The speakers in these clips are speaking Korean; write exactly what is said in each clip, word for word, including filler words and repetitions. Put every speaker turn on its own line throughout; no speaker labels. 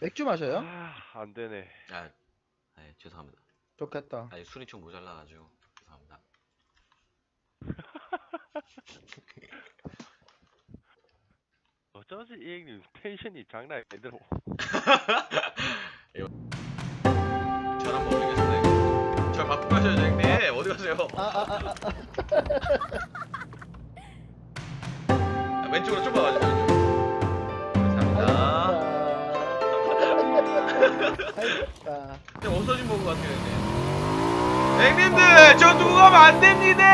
맥주 마셔요?
아, 안 되네.
아, 네, 죄송합니다.
좋겠다.
아니, 술이 좀 모자라가지고 죄송합니다.
어쩌지 이 형님 텐션이 장난 아니더라고.
전 한번 올리겠습니다. 형님. 저 바쁘 가셔야죠, 형님. 어디 가세요?
아, 아, 아, 아.
아, 왼쪽으로 좀 봐가지고. 감사합니다.
아이다.
좀 없어진 것 같아요, 형님. 형님들, 저 두고 가면 안 됩니다.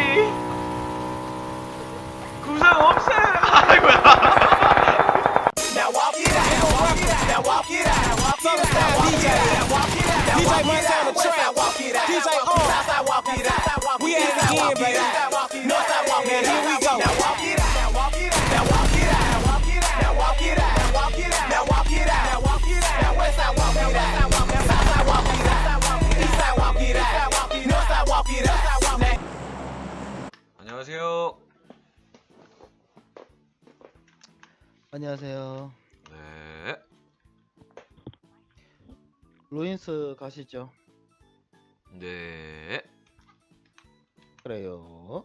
구상 없어요. 아이고야.
Now walk it out, now walk it out, now walk it out, walk it out, D J, walk it out, D J Montana Trap, walk it out, D J on, Southside walk it out, we at it again, baby, Northside walk it out, here we go. Now walk it out, now walk it out, now walk it out, walk it out, now walk it out, now walk it out, now walk it out, now walk it out, now Westside walk it out, Southside walk it out, Eastside walk it out, Northside walk it out.
안녕하세요.
안녕하세요.
네.
루인스 가시죠.
네.
그래요.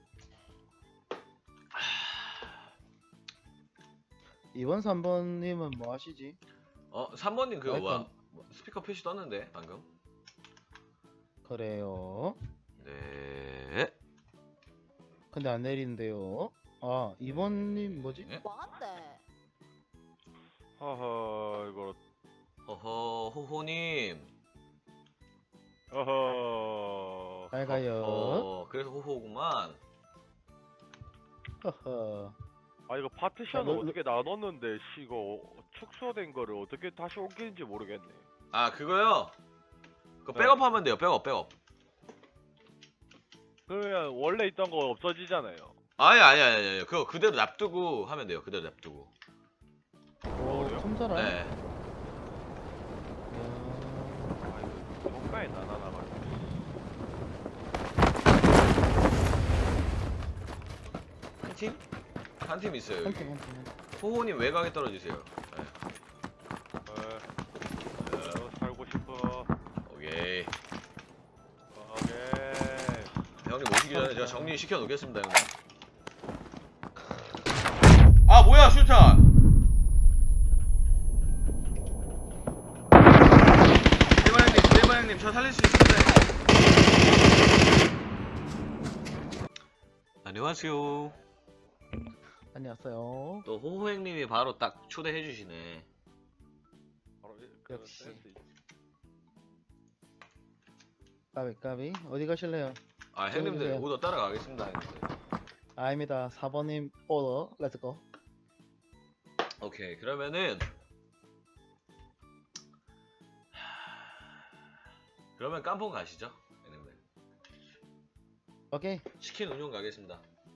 이번 삼 번님은 뭐 하시지?
어, 삼 번님 그거 뭐야?
마이크
뭐, 스피커 표시 떴는데 방금.
그래요.
네.
근데 안 내리는데요. 아, 이 번님 뭐지?
네?
뭔데?
허허 이거
허허, 호호님.
허허.
잘 가요.
어, 그래서 호호구만.
허허.
아 이거 파티션을
아, 너-
어떻게 나눴는데 씨 이거 축소된 거를 어떻게 다시 옮기는지 모르겠네.
아, 그거요. 그거
네.
백업하면 돼요. 백업, 백업.
그러면 원래 있던 거 없어지잖아요.
아니, 아니, 아니, 아니. 그거 그대로 놔두고 하면 돼요. 그대로 놔두고.
오,
그래요?
컴사라.
네.
이야.
아 이거 정가에 나나나가지고.
한 팀? 한 팀 있어요.
한
여기.
팀, 한 팀, 한 팀.
호호님 외곽에 떨어지세요. 네.
에, 어, 살고 싶어.
오케이.
오케이.
형님 오시기 전에 제가 정리 시켜 놓겠습니다, 형님. 아, 뭐야, 슈탄! 대만 형님, 대만 형님, 저 살릴 수 있습니다. 안녕하세요.
안녕하세요.
또 호호 형님이 바로 딱 초대해 주시네.
바로 이- 그
역시.
센스 있-
까비, 까비. 어디 가실래요?
아, 형님들
보여주세요.
오더 따라가겠습니다, 형님들.
아닙니다. 사 번님 오더. 렛츠고.
오케이, 그러면은 그러면 깜뽕 가시죠, 형님들.
오케이.
치킨 운용 가겠습니다.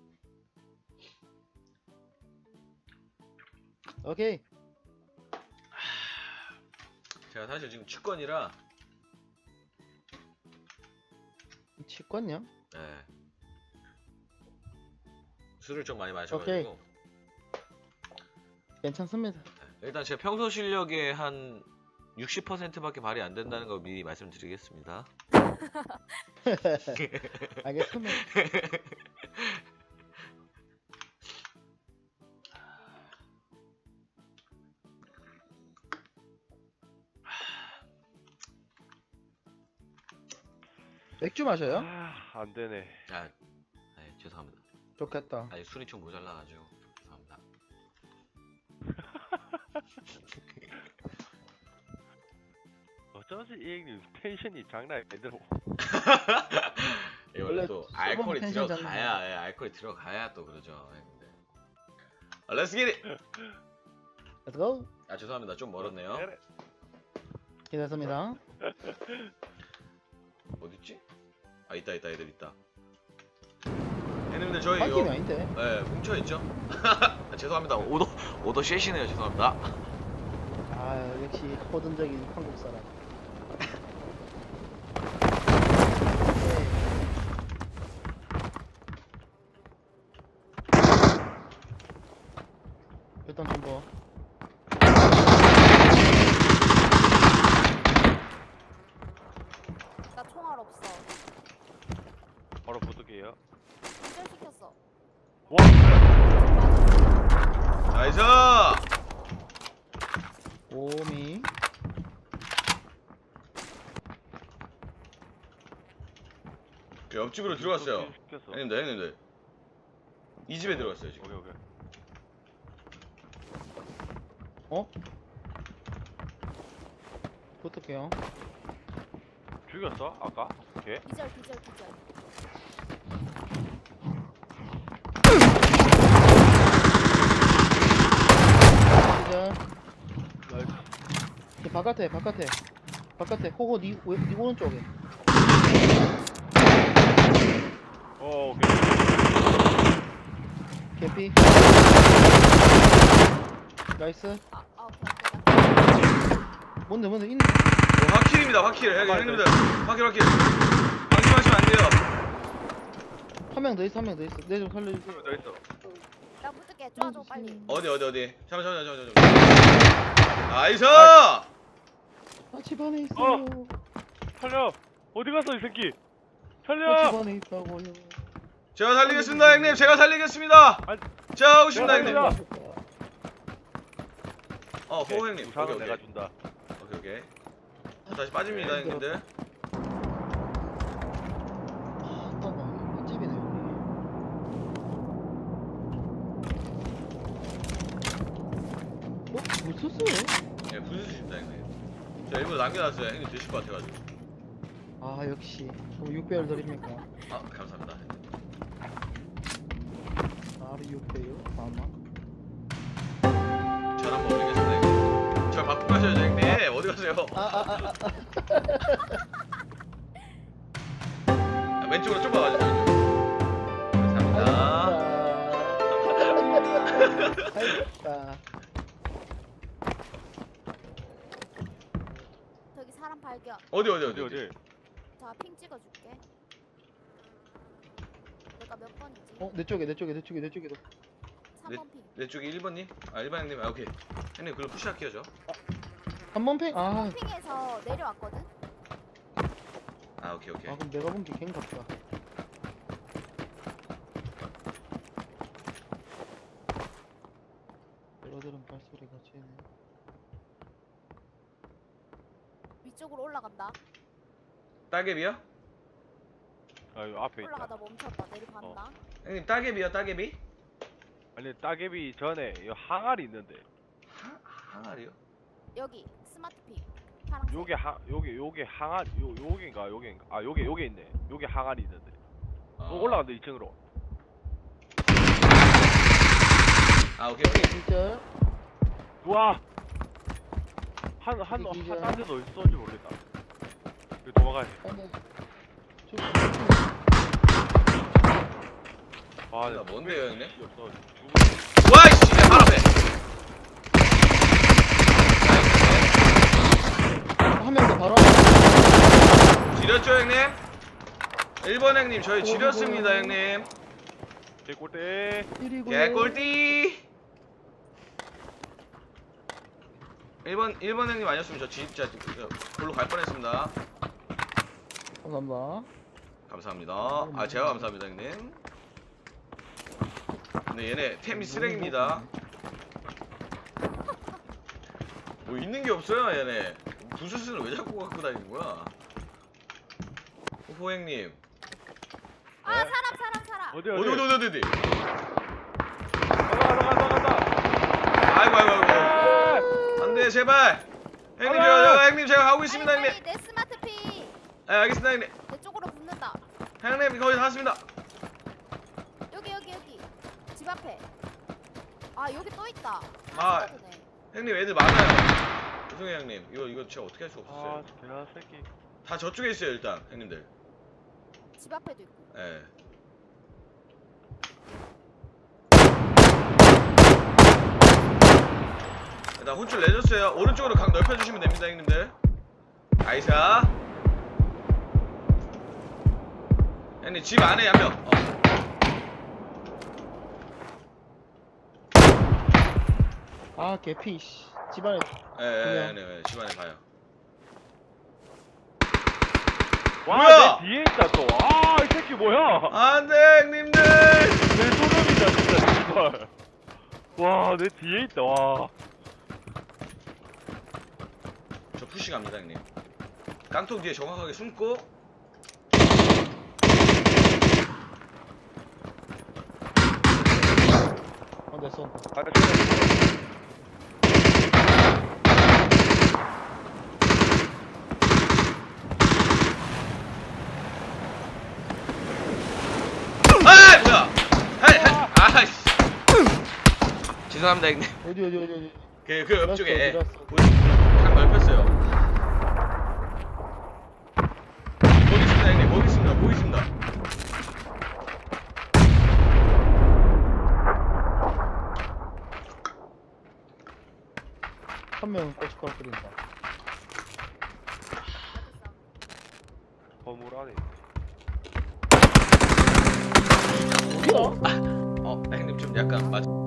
오케이.
제가 사실 지금 취권이라
치권요?
네. 술을 좀 많이 마셔가지고
괜찮습니다.
네. 일단 제 평소 실력의 한 육십 퍼센트밖에 발휘 안 된다는 거 미리 말씀드리겠습니다.
알겠습니다. 맥주 마셔요?
아, 안 되네.
아, 네, 죄송합니다.
좋겠다.
아니, 술이 좀 모자라가지고 죄송합니다.
어쩌지 이 형님 텐션이 장난 아니더라고.
이 원래
원래
또
술
알코올이
먹으면 텐션
들어가야, 예, 알코올이 들어가야 또 그러죠. 형님들. 아, Let's get it.
렛츠고.
아, 죄송합니다. 좀 멀었네요.
그래.
기다렸습니다.
어딨지? 아, 있다, 있다, 애들 있다. 형님들 저희
한 팀이
이거
아닌데.
네, 뭉쳐있죠? 아, 죄송합니다. 오더, 오더 쉐시네요. 죄송합니다.
아, 역시 호전적인 한국 사람. 일단 좀 뭐.
와
나이스.
오미.
옆집으로 들어갔어요.
시켰어.
형님들 형님들 이 집에 들어갔어요 지금.
오케이 오케이.
어? 붙을게요.
죽였어 아까? 걔?
기절 기절 기절.
기절.
나이스.
이 바깥에 바깥에 바깥에 호호 니, 왼- 니 오른쪽에.
어 오케이.
개피. 나이스.
아, 아 오케이 오케이.
뭔데 뭔데 있네.
어, 화킬입니다 화킬. 형님, 형님들 화킬 화킬. 방심하시면 안 돼요.
한 명 더 있어 한 명 더 있어. 내 좀 살려주세요.
너 있어.
나 붙을게. 쪼아줘 빨리.
어디 어디 어디. 잠깐 잠깐 잠깐 잠깐. 나이스.
아 집안에 있어요.
살려. 어디 갔어 이 새끼?
아,
살려.
집안에 있다고요.
제가 살리겠습니다 형님. 제가 살리겠습니다.
아니,
제가 하고 있습니다
내가
형님.
살리자.
어 호호 형님.
우상은
오케이
내가
오케이.
준다.
오케이 오케이. 자, 다시 빠집니다 형님들.
아, 잠깐만. 맛집이네 여기. 어? 못 썼어요?
예 부수십니다 형님. 자 일부러 남겨놨어요 형님 드실 것 같아가지고.
아 역시. 그럼 육 배열 드립니까?
아 감사합니다.
바로 육 배열? 아마.
전 한번 올리겠습니다 형님. 저 바꾸고 가셔야죠 형님. 어디 가세요?
아 아 아 아.
아, 왼쪽으로 좀 가가지고 감사합니다.
알겠다.
저기 사람 발견.
어디 어디
어디
어디
어디?
자 핑 찍어줄게. 내가 몇 번이지?
어, 내 쪽에, 내 쪽에, 내 쪽에, 내 쪽에도.
삼 번 핑.
내 쪽이 일 번님? 아 일 번 형님. 아 오케이. 형님 그럼 푸시할게요 저.
한 번 팽? 아,
핑에서 내려왔거든.
아 오케이 오케이.
아, 그럼 내가 본 게 갱 같다. 여러들은 발소리가 지네.
위쪽으로 올라간다.
따개비요?
아 이거 앞에 있다.
올라가다 멈췄다. 내려간다.
형님 따개비요 따개비?
아니 따개비 전에 이 항아리 있는데.
하 항아리요?
여기 스마트 핑. 파란색.
요게 하 요게 요게 항아리 요 요게인가 요게인가 아 요게 요게 있네. 요게 항아리 있는데.
아.
어, 올라간다 이 층으로.
아 오케이 오케이.
진짜?
와. 한한한
이게
한 데도 어디 쏜지 모르겠다. 이거 도망가야 돼.
아니, 저,
아,
나 뭔데요, 형님?
없어.
와이씨 바로 앞에.
한 명 더 바로.
지렸죠 형님? 일 번 형님 저희 지렸습니다 형님.
개꿀대.
일이고요.
개꿀띠. 일 번 일 번 형님 아니었으면 저 진짜 골로 갈 뻔했습니다.
감사합니다.
감사합니다. 아 제가 감사합니다 형님. 근데 얘네 템이 쓰레기입니다. 뭐 있는 게 없어요 얘네. 부스스는 왜 자꾸 갖고 다니는 거야? 호호 형님.
아 사람 사람 사람.
어디
어디
어디
어디 어디 어디.
간다 간다 간다 간다.
아이고 아이고 아이고.
아!
안돼 제발. 형님
아!
저, 저 형님 제가 가고 있습니다
빨리,
형님.
빨리, 내 스마트 핑.
네 알겠습니다 형님.
내 쪽으로 붙는다.
형님 거의 다 왔습니다.
여기 여기 여기. 집 앞에. 아 여기 또 있다.
아.
스쿼드네.
형님 애들 많아요. 죄송해요 형님. 이거 이거 제가 어떻게 할 수가
아,
없었어요.
개새끼.
다 저쪽에 있어요 일단 형님들.
집 앞에도 있고.
예. 일단 혼쭐 내줬어요. 오른쪽으로 각 넓혀주시면 됩니다 형님들. 아이사. 형님 집 안에 한 명. 어.
아, 개피, 씨. 집안에.
예, 예,
그냥.
네, 네, 집안에 봐요.
와,
뭐야?
내 뒤에 있다 또. 아, 이 새끼 뭐야?
안돼 형님들.
내 소름이다 진짜. 와, 내 뒤에 있다. 와.
저 푸시 갑니다 형님. 깡통 뒤에 정확하게 숨고
어, 내 쏜다.
아, 저
아 뭐야 할, 할, 아이씨 죄송합니다 형님.
어디 어디 어디 어디.
그, 그 옆쪽에
어디 갔어?
각 넓혔어요. 거기 있습니다 형님. 거기 있습니다. 거기 있습니다.
한 명은 고춧가루 끓인다.
건물 안에.
어디야?
어 형님 좀 약간 맞